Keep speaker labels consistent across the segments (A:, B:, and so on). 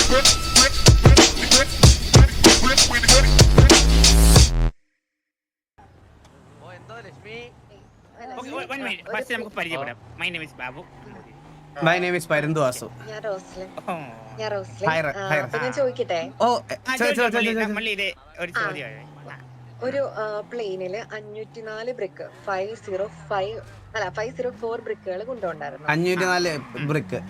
A: One minute. First നമുക്ക് പരിചയപ്പെടാം. My name is Babu.
B: My name is പരന്തു Vasu.
C: ഞാൻ Roslin.
A: Oh.
C: ഞാൻ റോസ്ലിൻ.
B: Hi, hi.
C: അപ്പൊ ഞാൻ ചോദിക്കട്ടെ,
A: നമ്മൾ ഇത് ഒരു ചോദ്യം.
C: ഒരു പ്ലെയിനില് 504 ബ്രിക്ക് 504 ബ്രിക്കുകൾ കൊണ്ടുപോണ്ടായിരുന്നു.
B: 504 ബ്രിക്ക്.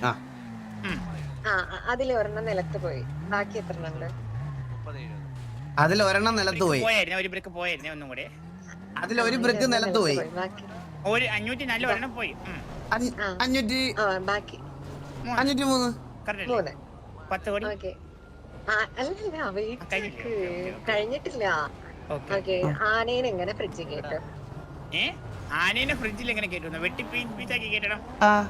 C: അതിൽ ഒരെണ്ണം നിലത്ത് പോയി, ബാക്കി എത്ര ഉണ്ട്?
B: അതിൽ ഒരെണ്ണം നിലത്ത് പോയി.
A: ഒരു ബ്രിക്ക് പോയായിരുന്നു ഒന്നും കൂടെ.
B: അതിൽ ഒരു ബ്രിക്ക് നിലത്ത് പോയി.
A: ഒരു 504 ഒരെണ്ണം പോയി.
B: 500
C: ബാക്കി
B: 503.
A: 10 കോടി.
C: ഓക്കെ. അല്ലല്ല, കഴിഞ്ഞിട്ടില്ല. ഓക്കെ. ആനേനെ എങ്ങനെ ഫ്രിഡ്ജിൽ കേട്ടും?
A: ആനേനെ ഫ്രിഡ്ജിൽ എങ്ങനെ കേട്ടു? വെട്ടി പീസാക്കി കേട്ടണം.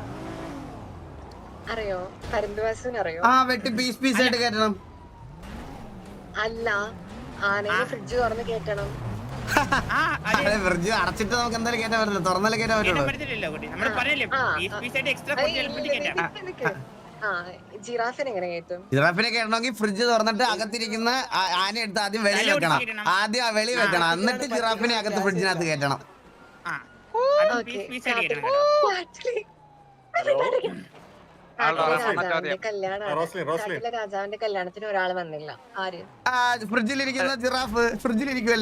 C: അറിയോ? പരന്തുവാസുവിന് അറിയോ?
B: വെട്ടി പീസ് ആയിട്ട് കേട്ടണം.
C: അല്ല, ആനേനെ ഫ്രിഡ്ജ് തുറന്ന് കേട്ടണം.
B: ഫ്രിഡ്ജ് അടച്ചിട്ട് നമുക്ക് എന്തായാലും കേട്ടാൻ പറ്റില്ല, തുറന്നാലേ കേട്ടാൻ പറ്റുള്ളൂ.
C: ജിറാഫിനെ എങ്ങനെ കേട്ടും?
B: ജിറാഫിനെ കേട്ടണമെങ്കിൽ ഫ്രിഡ്ജ് തുറന്നിട്ട് അകത്തിരിക്കുന്ന ആന എടുത്ത് ആദ്യം വെളി വെക്കണം. ആദ്യം ആ വെളി വെക്കണം, എന്നിട്ട് ജിറാഫിനെ അകത്ത് ഫ്രിഡ്ജിനകത്ത് കേട്ടണം.
C: രാജാവിന്റെ കല്യാണത്തിന് ഒരാൾ വന്നില്ല. ആര്?
B: ഫ്രിഡ്ജിലിരിക്കുന്ന ജിറാഫ് ഫ്രിഡ്ജിലിരിക്കുമല്ലേ,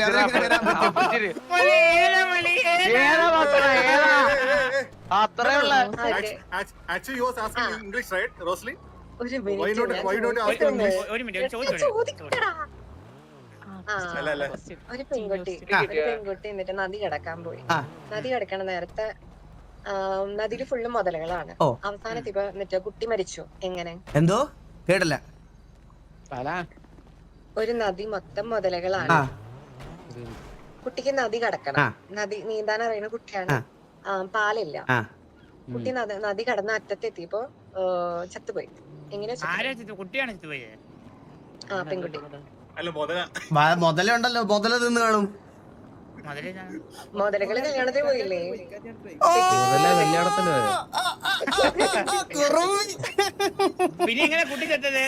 C: ഒരു പെൺകുട്ടി എന്നിട്ട് നദി കിടക്കാൻ പോയി. നദി കിടക്കണ നേരത്തെ നദിയില് ഫുള്ള് മുതലകളാണ്. അവസാനത്ത് ഇപ്പൊ എന്നിട്ട് കുട്ടി മരിച്ചു. എങ്ങനെ?
B: എന്തോ കേട്ടില്ല.
C: ഒരു നദി മൊത്തം മുതലകളാണ്. കുട്ടിക്ക് നദി കടക്കണം, നദി നീന്താൻ അറിയുന്ന കുട്ടിയാണ്. പാലില്ല. കുട്ടി നദി കടന്ന അറ്റത്തെത്തിയപ്പോ ചത്തുപോയി. എങ്ങനെ? പെൺകുട്ടി.
B: മുതലുണ്ടല്ലോ, മുതല തിന്ന് കാണും.
C: മുതലകള് കല്യാണത്തിന് പോയില്ലേ?
A: പിന്നെ എങ്ങനെ കുട്ടി ചത്തത്?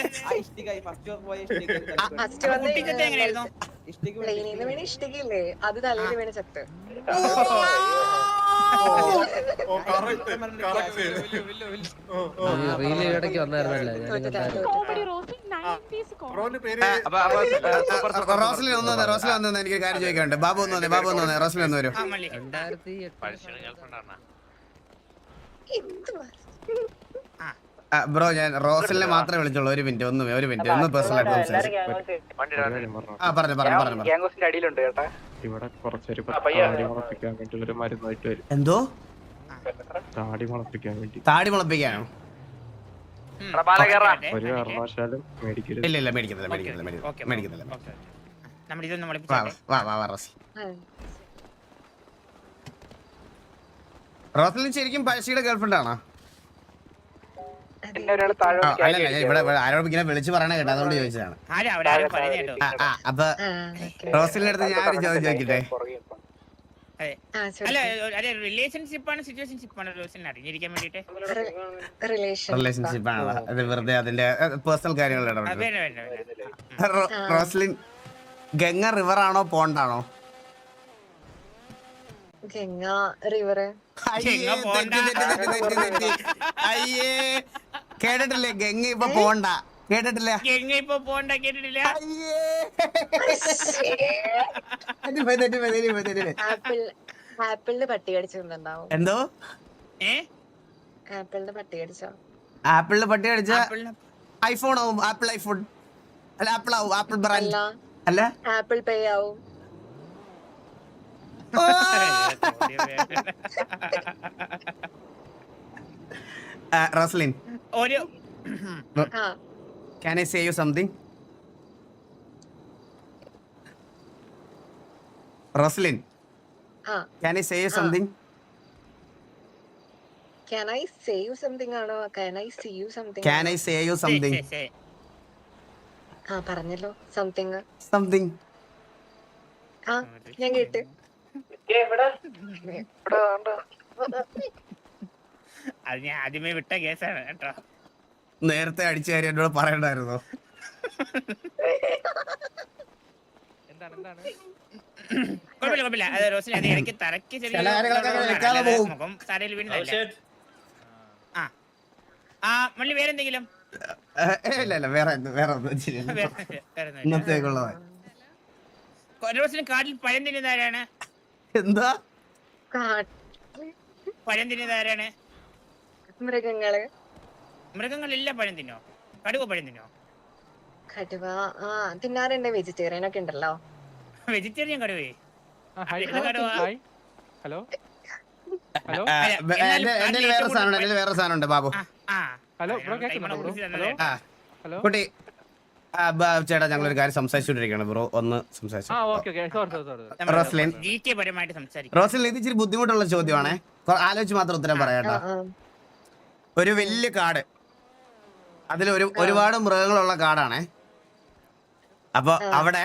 C: ഫസ്റ്റ് പ്ലെയിനിന്ന് വീണ് ഇഷ്ടികയില്ലേ, അത് തലയിൽ വീണ് ചത്ത്.
B: റോസ്ലിൻ ഒന്ന് എനിക്കൊരു കാര്യം ചോദിക്കാനുണ്ട്. ബാബു ഒന്ന് വന്നേ, റോസ്ലിൻ ഒന്ന് വരും. ബ്രോ, ഞാൻ റോസ്ലിനെ മാത്രമേ വിളിച്ചോളൂ. ഒരു മിനിറ്റ് ഒന്ന് പേഴ്സണൽ ആയിട്ട് സംസാരിച്ചു.
D: ഇവിടെ കുറച്ചൊരു താടി മുളപ്പിക്കാൻ വേണ്ടി ഒരു മരുന്നായിട്ട് വരും.
B: എന്തോ?
D: താടി മുളപ്പിക്കാൻ വേണ്ടി.
B: താടി മുളപ്പിക്കാനോ?
D: ഒരു കാരണവശാലും മേടിക്കരുത്.
B: ഇല്ല മേടിക്കുന്നില്ല. റോസ്ലിൻ ശരിക്കും പഴശ്ശിയുടെ ഗേൾഫ്രണ്ട് ആണോ? ഇവിടെ ആരോപിങ്ങനെ വിളിച്ചു പറയണ കേട്ടോ, അതുകൊണ്ട് ചോദിച്ചതാണ്. അപ്പൊ റോസ്ലിന്റെ അടുത്ത് ഞാൻ ഒരു ചോദ്യം ചോദിക്കട്ടെ. റിലേഷൻഷിപ്പ് ആണോ? അത് വെറുതെ അതിന്റെ പേഴ്സണൽ കാര്യങ്ങൾ റോസ്ലിൻ ഗംഗ റിവർ ആണോ പോണ്ടാണോ?
C: ഗംഗ റിവർ.
B: അയ്യേ, കേട്ടിട്ടില്ലേ? ഗംഗ ഇപ്പൊ പോണ്ട കേട്ടിട്ടില്ല.
C: ആപ്പിളിന്റെ പട്ടി കടിച്ചിട്ടുണ്ടാവും.
B: എന്തോ?
C: ആപ്പിളിന്റെ പട്ടി കടിച്ചോ?
B: ആപ്പിളിന്റെ പട്ടി കടിച്ച ഐഫോൺ ആവും. ആപ്പിൾ ഐഫോൺ അല്ല, ആപ്പിൾ ആവും. ആപ്പിൾ ബ്രാൻഡ് അല്ല,
C: ആപ്പിൾ പേ ആവും.
B: Roslin, can I say you something? Roslyn, can I say you something?
C: Can I say you something ആണോ? Can I see you something?
B: Can I say you something?
C: പറഞ്ഞല്ലോ something. ഞാൻ കേട്ട്.
A: അത് ഞാൻ ആദ്യമേ വിട്ട കേസാണ് കേട്ടോ.
B: നേരത്തെ അടിച്ച കാര്യം എന്നോട് പറയണ്ടായിരുന്നോ?
A: കുഴപ്പമില്ല അത് റോസിന് അത് ഇടയ്ക്ക് തറയ്ക്ക്
B: ചില കാര്യങ്ങളൊക്കെ അങ്ങനെ വെക്കാതെ പോകും.
A: മുഖം തറയിൽ വീഴുന്നില്ല. ആ മള്ളി വേറെന്തെങ്കിലും
B: ഇല്ല വേറെ ഒന്നും ശരിയല്ല. ഇന്നത്തേക്കുള്ളതാ.
A: റോസിന് കാട്ടിൽ പഴം തിന്നുന്നതാരാണ്?
B: എന്താ
A: പഴം തിന്നുന്നതാരാണ്? മൃഗങ്ങളെല്ലാം പഴം തിന്നോ? കടുവ പഴം തിന്നോ?
C: കടുവ തിന്നാറുണ്ട്. വെജിറ്റേറിയൻ ഒക്കെ ഉണ്ടല്ലോ.
A: വെജിറ്റേറിയൻ കടുവേ?
D: ഹലോ
B: എന്റെ വേറെ സാധനം ഉണ്ട് ബാബു.
D: ഹലോ
B: കുട്ടി ചേട്ടാ ഞങ്ങളൊരു കാര്യം സംസാരിച്ചോണ്ടിരിക്കുകയാണ് ബ്രോ, ഒന്ന് സംസാരിച്ചു. റോസ്ലിൻ ഇത് ഇച്ചിരി ബുദ്ധിമുട്ടുള്ള ചോദ്യമാണേ, ആലോചിച്ച് മാത്രം ഉത്തരം പറയാട്ടോ. ഒരു വലിയ കാട്, അതിൽ ഒരുപാട് മൃഗങ്ങളുള്ള കാടാണേ. അപ്പൊ അവിടെ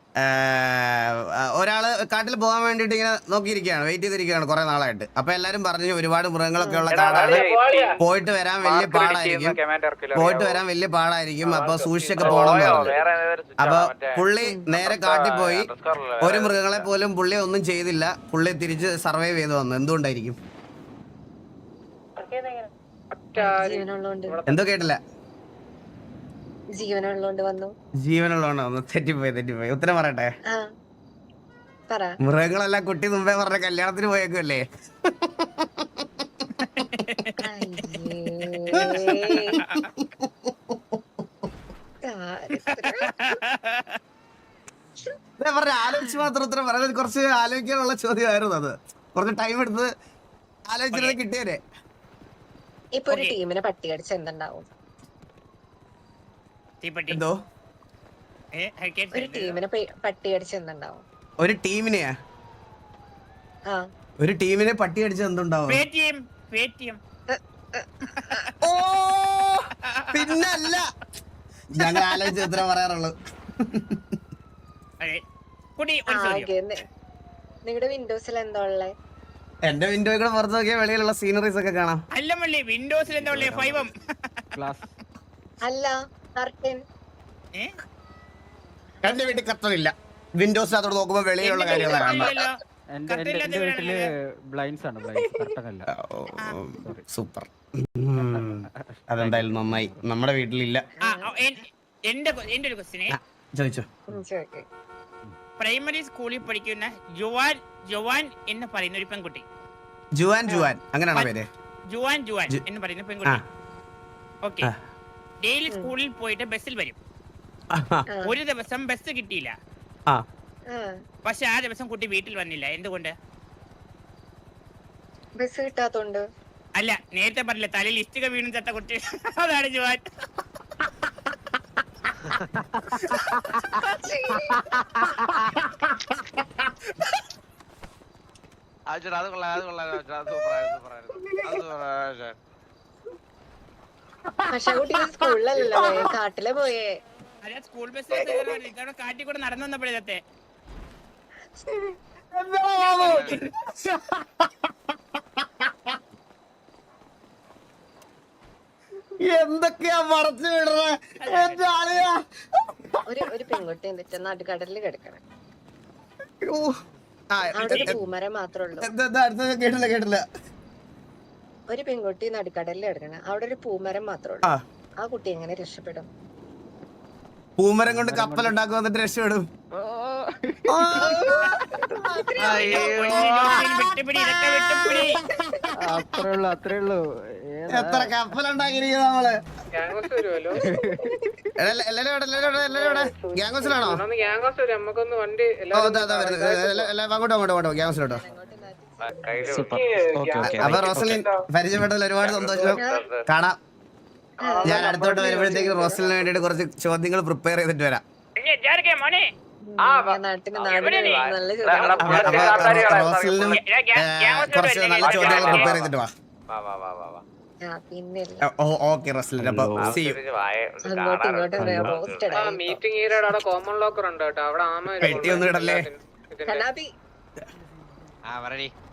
B: ഒരാള് കാട്ടിൽ പോകാൻ വേണ്ടിട്ട് ഇങ്ങനെ നോക്കിയിരിക്കുകയാണ്, വെയിറ്റ് ചെയ്തിരിക്കുകയാണ് കുറെ നാളായിട്ട്. അപ്പൊ എല്ലാരും പറഞ്ഞു ഒരുപാട് മൃഗങ്ങളൊക്കെ ഉള്ള കാടാണ്, പോയിട്ട് വരാൻ വലിയ പാടായിരിക്കും, അപ്പൊ സൂക്ഷിച്ചൊക്കെ പോകണമെന്ന് പറഞ്ഞു. അപ്പൊ പുള്ളി നേരെ കാട്ടിൽ പോയി, ഒരു മൃഗങ്ങളെ പോലും പുള്ളി ഒന്നും ചെയ്തില്ല, പുള്ളി തിരിച്ച് സർവൈവ് ചെയ്ത് വന്നു. എന്തുകൊണ്ടായിരിക്കും? എന്തോ കേട്ടില്ല.
C: ജീവനുള്ളോണ്ട് വന്നു.
B: തെറ്റിപ്പോയി. ഉത്തരം പറയട്ടെ? മൃഗങ്ങളെല്ലാം കുട്ടി മുമ്പേ പറഞ്ഞ കല്യാണത്തിന് പോയേക്കുമല്ലേ? ആലോചിച്ച് മാത്രം ഉത്തരം പറയുന്നത് കുറച്ച് ആലോചിക്കാനുള്ള ചോദ്യമായിരുന്നു. അത് കുറച്ച് ടൈം എടുത്ത് ആലോചിച്ചിട്ട് കിട്ടിയതേ.
C: ഇപ്പൊ ഒരു ടീമിനെ പട്ടി കടിച്ച എന്തുണ്ടാവും?
B: എന്തോ
C: ഒരു ടീമിനെ പട്ടി കടിച്ച എന്തുണ്ടാവും?
B: ഒരു ടീമിനെ പട്ടി കടിച്ച എന്തുണ്ടാവും? ഓ പിന്നല്ല, ഞങ്ങൾ ആലോചിച്ച് ഉത്തരം പറയാറുള്ളൂ.
C: നിങ്ങളുടെ വിൻഡോസിൽ എന്താ ഉള്ളേ?
B: എന്റെ വിൻഡോയിൽ കൂടെ പുറത്ത് നോക്കിയാൽ വെളിയിലുള്ള സീനറീസ് ഒക്കെ കാണാം.
A: അല്ല മള്ളി, വിൻഡോസിൽ എന്താ ഉള്ളേ? ഫൈവം
C: അല്ല, കർട്ടൻ.
B: എന്റെ വീട്ടിൽ കർട്ടനില്ല, വിൻഡോസ് അതോട് നോക്കുമ്പോ വെളിയിലുള്ള കാര്യങ്ങളാണ്. സൂപ്പർ, അതെന്തായാലും നന്നായി. നമ്മുടെ വീട്ടിലില്ല.
A: എന്റെ ഒരു ക്വസ്റ്റ്യനെ
B: ചോദിച്ചോ.
A: പ്രൈമറി സ്കൂളിൽ പഠിക്കുന്ന ജുവാൻ എന്ന് പറയുന്ന ഒരു പെൺകുട്ടി.
B: ജുവാൻ അങ്ങനെയാണോ പേര്?
A: ജുവാൻ എന്ന് പറയുന്ന പെൺകുട്ടി. ഓക്കെ, ഡെയിലി സ്കൂളിൽ പോയിട്ട് ബസ്സിൽ വരും. ഒരു ദിവസം ബസ് കിട്ടിയില്ല, പക്ഷെ ആ ദിവസം കുട്ടി വീട്ടിൽ വന്നില്ല. എന്തുകൊണ്ട്?
C: ബസ് കിട്ടാത്തോണ്ട്.
A: അല്ല, നേരത്തെ പറഞ്ഞില്ല തലയിൽ ഇഷ്ടിക വീണു ചത്ത കുട്ടി, അതാണ് ജുവാൻ.
C: പക്ഷെ കുട്ടി സ്കൂളിലല്ലോ, കാട്ടിലെ പോയേ.
A: സ്കൂൾ ബസ് കാട്ടിൽ കൂടെ നടന്നു വന്നപ്പോഴത്തെ
B: എന്തൊക്കെയാ മറച്ചു വിടുന്നത്?
C: ഒരു പെൺകുട്ടി എന്നിട്ട് നടുക്കടലിൽ കിടക്കണം. അവിടെ ഒരു പൂമരം മാത്രമേ ഉള്ളൂ.
B: കേട്ടില്ല.
C: ഒരു പെൺകുട്ടി നടുക്കടലിൽ കിടക്കണം, അവിടെ ഒരു പൂമരം മാത്രമേ ഉള്ളൂ. ആ കുട്ടി എങ്ങനെ രക്ഷപ്പെടും?
B: പൂമരം കൊണ്ട് കപ്പൽ ഉണ്ടാക്കും, എന്നിട്ട് രക്ഷപ്പെടും.
D: അത്രേ ഉള്ളൂ.
B: എത്ര കപ്പലുണ്ടാക്കിയിരിക്കും നമ്മള്. ഗ്യാങ്സിലാണോ? അങ്ങോട്ടോ ഗ്യാങ്സിലോട്ടോ. അപ്പൊ റോസലിൻ പരിചയപ്പെട്ടതിൽ ഒരുപാട് സന്തോഷം. കാണാം. ഞാൻ അടുത്തോട്ട് വരുമ്പോഴത്തേക്ക് റോസലിന് വേണ്ടിട്ട് കുറച്ച് ചോദ്യങ്ങൾ പ്രിപ്പയർ ചെയ്തിട്ട് വരാം. റോസലിനും കുറച്ച് നല്ല ചോദ്യങ്ങൾ പ്രിപ്പയർ ചെയ്തിട്ട് വാ. ഓക്കെ റോസലിൻ, അപ്പൊ
C: മീറ്റിംഗ്
B: പെട്ടി ഒന്നും ഇടല്ലേ?